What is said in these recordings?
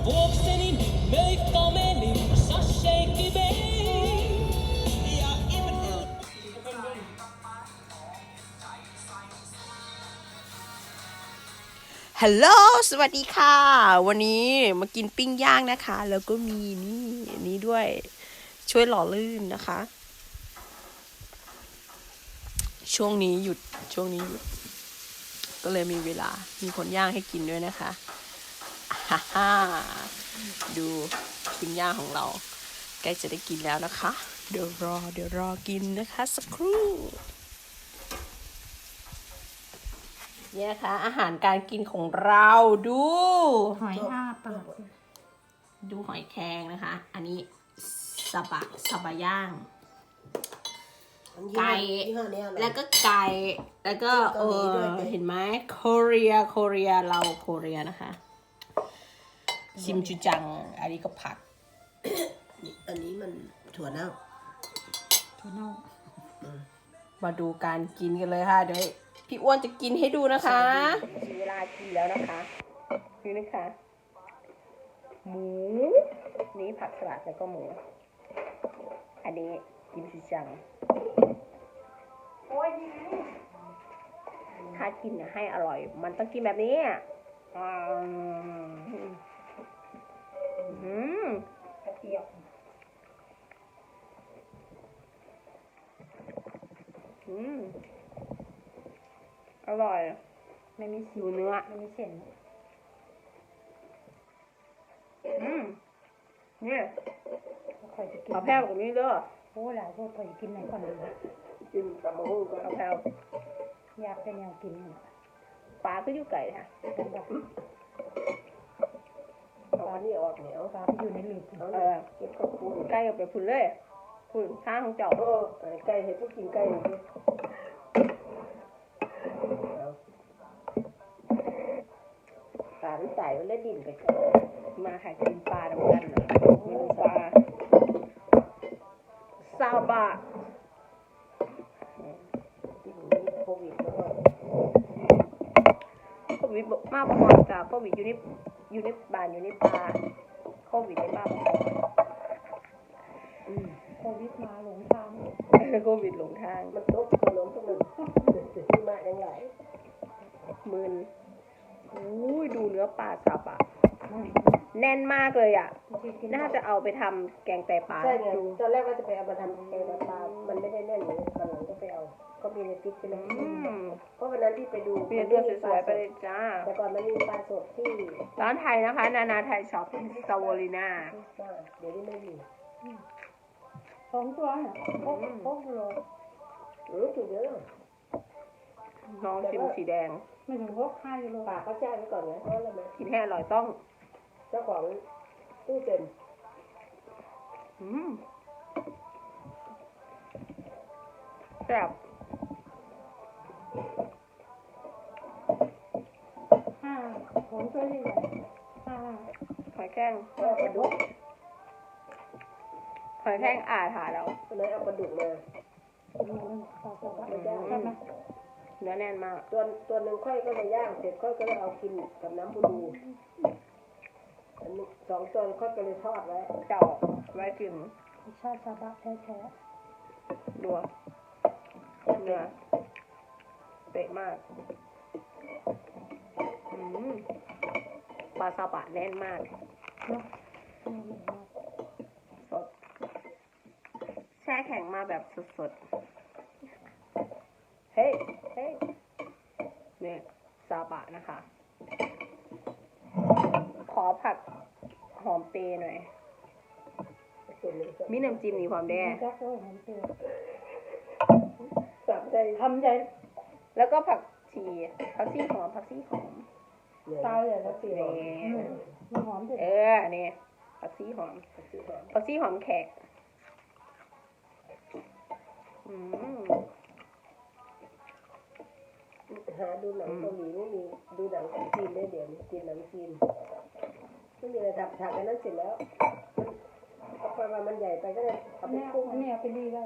Vuokseni möikka meni, sasseikki vei. Ja imenu... ฮัลโหลสวัสดีค่ะวันนี้มากินปิ้งย่างนะคะแล้วก็มีนี่ด้วยช่วยหล่อลื่นนะคะช่วงนี้หยุดก็เลยมีเวลามีคนย่างให้กินด้วยนะคะฮ่าดูปิ้งย่างของเราใกล้จะได้กินแล้วนะคะเดี๋ยวรอกินนะคะสักครู่เนี่ยนะคะอาหารการกินของเราดูหอยอ้าปากดูหอยแครงนะคะ อันนี้ซาบะย่างไก่แล้วก็ไก่แล้วก็เห็นไหมโคเรียเราโคเรียนะคะชิมจูจังอันนี้ก็ผักอันนี้มันถั่วเน่ามาดูการกินกันเลยค่ะเดี๋ยวพี่อ้วนจะกินให้ดูนะคะเวลากินแล้วนะคะนี่นะคะหมูนี่ผักสลัดแล้วก็หมูอันนี้กิมจูจังถ้ากินให้อร่อยมันต้องกินแบบนี้กระเทียมอร่อยไม่มีดูเนื้อไม่มีเส้นนี่คอยจะกินเอาแพ้วกับนี้เด้อโอ้หลายโทษคอยจะกินไหนก่อนดีกินกับมะฮู้ก็เอาแพ้วอยากเป็นแนวกินเนี่ยปลาก็อยู่ไก่ค่ะกันแบบเอาอันนี้ออกเหนียวปลาที่อยู่ในหลืบเก็บข้าวปุ้นไก่กับไปพุ่นเลยพุ่นข้างของเจ้าไก่ให้พวกกินไก่เลยปลามันใส่มันแล้วดิ่นไปมาค่ะกินปลาดำกันเมนูปลาซาบะที่ผมมีโควิดแล้วก็โควิดมากพอๆกับโควิดอยู่ในบ้านอยู่ในป่าโควิดในบ้านพอโควิดมาหลงทางโควิดหลงทางมันตกขนมทุกมันที่มาอย่างไรมึนอุ้ยดูเนื้อปลาซาบะแน่นมากเลยอ่ะน่าจะเอาไปทำแกงไตปลาใช่ไงตอนแรกว่าจะไปเอามาทำแกงปลามันไม่ได้แน่นเลยตอนหลังก็ไปเอาก็มีในติ๊กใช่ไหมเพราะวันนั้นที่ไปดูมีตัวสวยๆไปเลยจ้าแต่ก่อนมันมีปลาสดที่ร้านไทยนะคะนานาไทยช็อปสวอลิน่าเดี๋ยวนี้ไม่มี 2 ตัวเนี่ยโคกโลถูกเยอะลองชิมสีแดงไม่ถึง5 กิโลฝากเขาแจ้งไว้ก่อนนะเพราะอะไรไหมกินให้อร่อยต้องเจ้าของตู้เต็มแซ่บ 5ของตัวใหญ่5 หอยแครงปลาดุกหอยแครงถาแล้วเลยเอาปลาดุกมาปลาสบะใช่ไหมเนื้อแน่นมากตัวหนึ่งค่อยก็เลยย่างเสร็จค่อยก็เลยเอากินกับน้ำบูดูอันนี้2 ตัวค่อยก็เลยทอดไว้เจ้าไว้กินชาติสบะแท้ดัวเนื้อเป๊ะมากปลาซาบะแน่นมากๆเนาะสดแช่แข็งมาแบบสดๆเฮ้ยเนี่ยซาบะนะคะ ขอผักหอมเปรย์หน่อยมีน้ำจิ้มนี่ความแด้จักเลยมันเปรี้ยวสามใจทำใจแล้วก็ผักชีหอมตายเลยแล้วเปรี้ยวมันหอมเด็ดนี่ผักชีหอมแขกหาดูหนังเกาหลีไม่มีดูหนังจีนได้เดี๋ยวนี้กินหนังจีนไม่มีอะไรดับฉากกันนั้นเสร็จแล้วเอาไปมามันใหญ่ไปก็เลยเอาไปกุ้งอันนี้เอาไปดีได้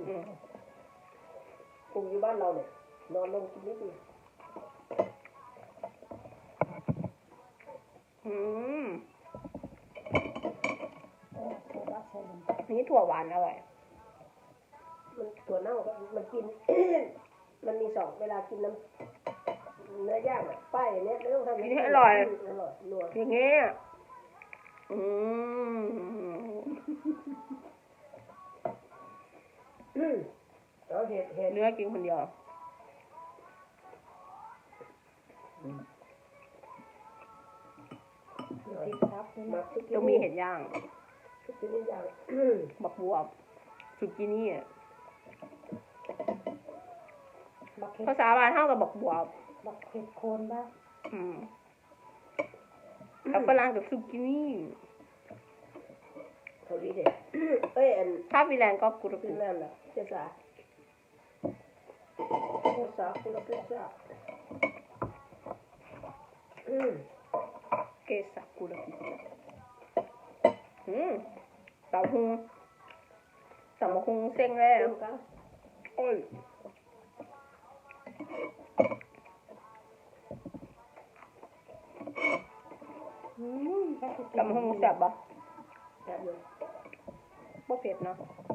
กุ้งอยู่บ้านเราเนี่ยนอนลงกินนิดนึงอนี้ถั่วหวานอร่อยมันถั่วเน่าก็มันกิน มันมีสองเวลากินน้ำเนื้อย่างอ่ะป้ายอย่างเนี้ยไม่ต้องทำกินให้อร่อยอร่อยนัวอย่างเงี้ยแล้วเห็ดเนื้อกินคนเดียวติดทับด้วยมันะกทุกต้องมีเห็ดย่างทุกชนิดอย่างบักบวบสุกินี่อ่ะบักเห็ดภาษาบ้านเท่ากับบักบวบบักเห็ดโคนบ้างแล้วฝรั่งกับสุกินี่เขาดีเด็ดเอ้ยอันถ้าฟินแลนด์ก็กุรฟิกุนแลนด์ล่ะเจ้าสาคุณละเจ้าสาเกสักุรกุเต่าหูเต่าหูเซ็งเลยโอ้ยถ้าจะกินเต่าหูแซ่บปะแบบนี้บ่เผ็ดเนาะ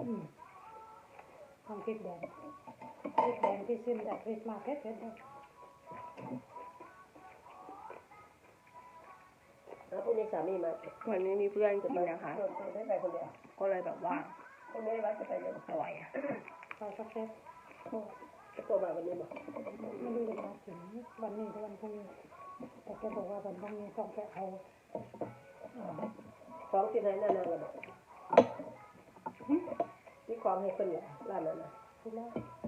ทำพริกแดงพริกแดงที่ซื้อจากคริสต์มาสเผ็ดๆเลยแล้วพรุ่งนี้สามีมาวันนี้มีเพื่อนกินนะคะได้ไปคนเดียวก็เลยแบบว่าพรุ่งนี้ว่าจะไปเลยอร่อยอ่ะใส่สักเผ็ดจะตัวมาวันนี้บอกไม่รู้จะมาถึงวันนี้หรือวันพรุ่งนี้แต่แกบอกว่าวันพรุ่งนี้ต้องไปเอาของที่ไหนนั่นน่ะเราบอกที่ของให้คนเนี่ยร้านนั้นน่ะที่แล้ว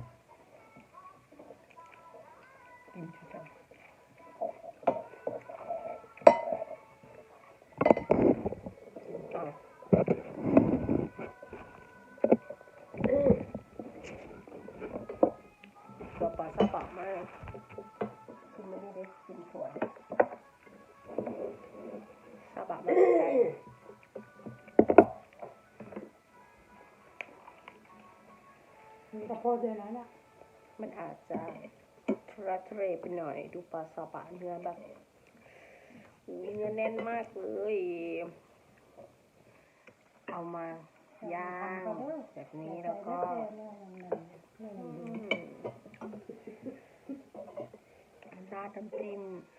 กินชุดกันตัวปลาซาบะมากกินไม่ได้เลยกินสวยซาบะไม่ได้ใจมีกระเพาะด้วยนะเนี่ยมันอาจจะทุรักทุเลไปหน่อยดูปลาซาบะเนื้อแบบเนื้อแน่นมากเลยเอามาย่างแบบนี้แล้วก็ราดน้ำจิ้ม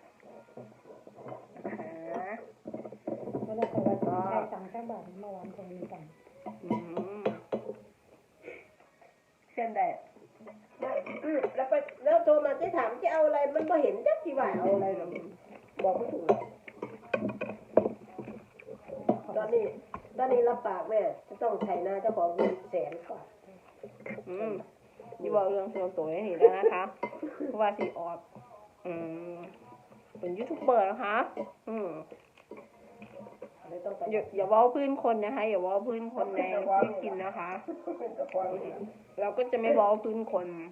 นะคะเวลาไปวันใช้ตังค์แค่บาทเมื่อวานคงมีตังค์เส้นแดดแล้วไปแล้วโทรมาจะถามจะเอาอะไรมันไม่เห็นจักที่ว่าเอาอะไรหรอกบอกไม่ถูกเลยตอนนี้รับปากแม่จะต้องไถนาเจ้าของเงิน100,000 กว่าที่บอกเรื่องส่วนตัวให้เห็นแล้วนะคะเพราะว่าสีออกเป็นยูทูบเบอร์นะคะเลยต้องไปอย่าเว้าพื้นคนนะคะอย่าเว้าพื้นคนในที่กินนะคะ เราก็จะไม่เว้าพื้นคน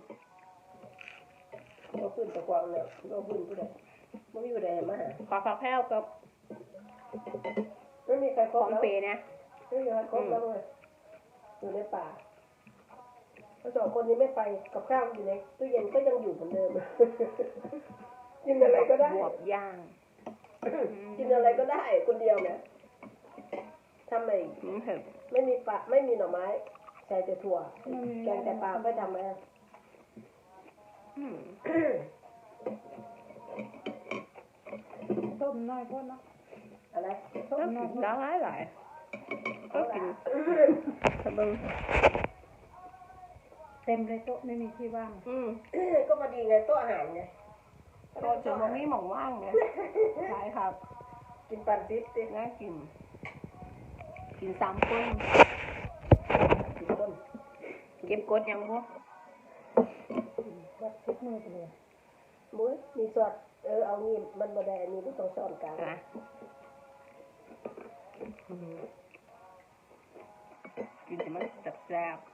เราขึ้นตะกวางแล้วเราขึ้นผู้ใดไม่มีผู้ใดมาหาขอผักแพ้วกับไม่มีใครคขรบองแล้วเปนะไม่มีใครครบแล้วเลยอยู่ในป่าเขาสองคนนี้ไม่ไปกับข้าวอยู่ในตู้เย็นก็ยังอยู่เหมือนเดิม กินอะไรก็ได้บวบย่างกินอะไรก็ได้คนเดียวเนี่ยทำไมเผ็ดไม่มีปลาไม่มีหน่อไม้ใส่แต่ถั่วแกงแต่ปลาไม่ทำไหมต้มน้อยก็นะอะไรต้มก็น้อกิยนได้หลายก็กินสบึงเต็มเลยโต๊ะไม่มีที่ว่างก็พอดีไงโต๊ะอาหารไงโตจนมันไม่หมองว่างไงใช่ครับกินปันทิพย์สิน่ากินกิน3 คนกินต้นเก็บกดยังบ่วัดทิศมือไปเลยมุ้ยมีสอดเอางี้มันบ่ได้มีผู้ต้องสอนกลางนะกินแต่มันแซ่บ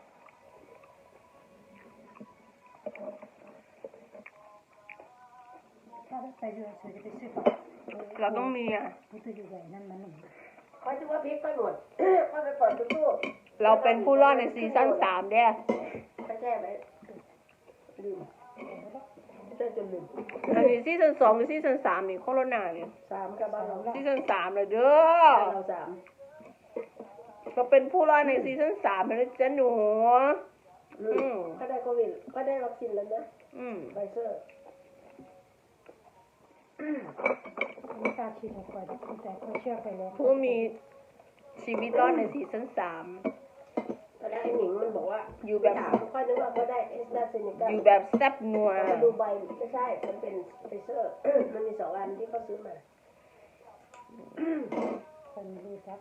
ถ้าไปเรือเสือจะไปซื้อปลาเราต้องมีอ่ะผู้ตัวใหญ่นั่นมันหนึ่งค่อยถือว่าพริกค่อยหมด ค่อยไปปล่อยตู้เราเป็นผู้รอดในซีซั่น3เด้อค่อยแช่ไว้ลืมแช่จนลืมอันนี้ซีซั่น2หรือซีซั่น3นี่โคโรนาเนี่ย 3กับบ้านเราซีซั่น3เลยเด้อบ้านเรา3 ก็เป็นผู้รอดในซีซั่น3แล้วจ้ะหนูก็ได้โควิดก็ได้วัคซีนแล้วนะไฟเซอร์ไม่กล้าฉีดให้ก่อนแต่เขาเชื่อไปแล้วผู้มีชีวิตรอดในซีซั่น3 ตอนแรกไอ้หนิงมันบอกว่าอยู่แบบถามค่อยนึกว่าเขาได้เอสตราเซเนกาอยู่แบบแซ่บนัวมาดูใบไม่ใช่ มันเป็นไฟเซอร์ มันมี2 อันที่เขาซื้อมาคนรู้จัก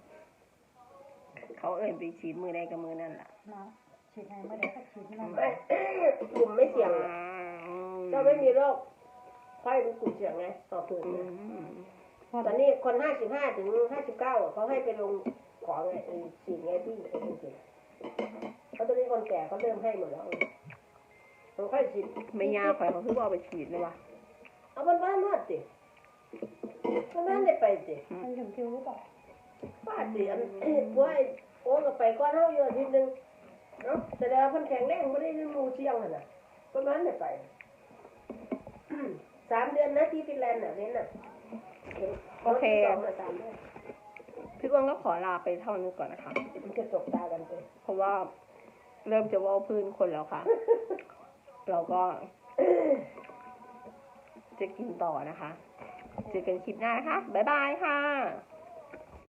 เขาเอ่ยไปฉีดมือใดกับมือนั่นล่ะนะฉีดให้เมื่อไหร่ก็ฉีดนั่นกลุ่มไม่เสี่ยงอะก็ไม่มีโรคค่อยเป็นกลุ่มเสี่ยงไงต่อผืนเนี่ยตอนนี้คน55 ถึง 59อะเขาให้ไปลงของไงฉีดไงพี่ไอ้จริงๆเขาตอนนี้คนแก่เขาเริ่มให้หมดแล้วมันค่อยฉีดไม่ยากข่อยเขาคือว่าเอาไปฉีดเลยวะเอาบ้านมาสิบ้านได้ไปสิมันถึงคิวหรือเปล่าป้าสิอันป่วยโอ้ก็ไปก่อนเฮาอยู่อาทิตย์นึงเนาะแต่แล้วเพิ่นแข็งแรงบ่ได้หมู่เสี่ยงหั่นน่ะประมาณได้ไป 3 เดือนนะที่ฟินแลนด์น่ะเว้นน่ะโอเค 2 3 เดือนพี่อ้วนก็ขอลาไปเท่านี้ก่อนนะคะมันจะจบตากันไปเพราะว่าเริ่มจะเว่าพื้นคนแล้วค่ะ เราก็ จะกินต่อนะคะ เจอกันคลิปหน้านะคะ บ๊ายบายค่ะ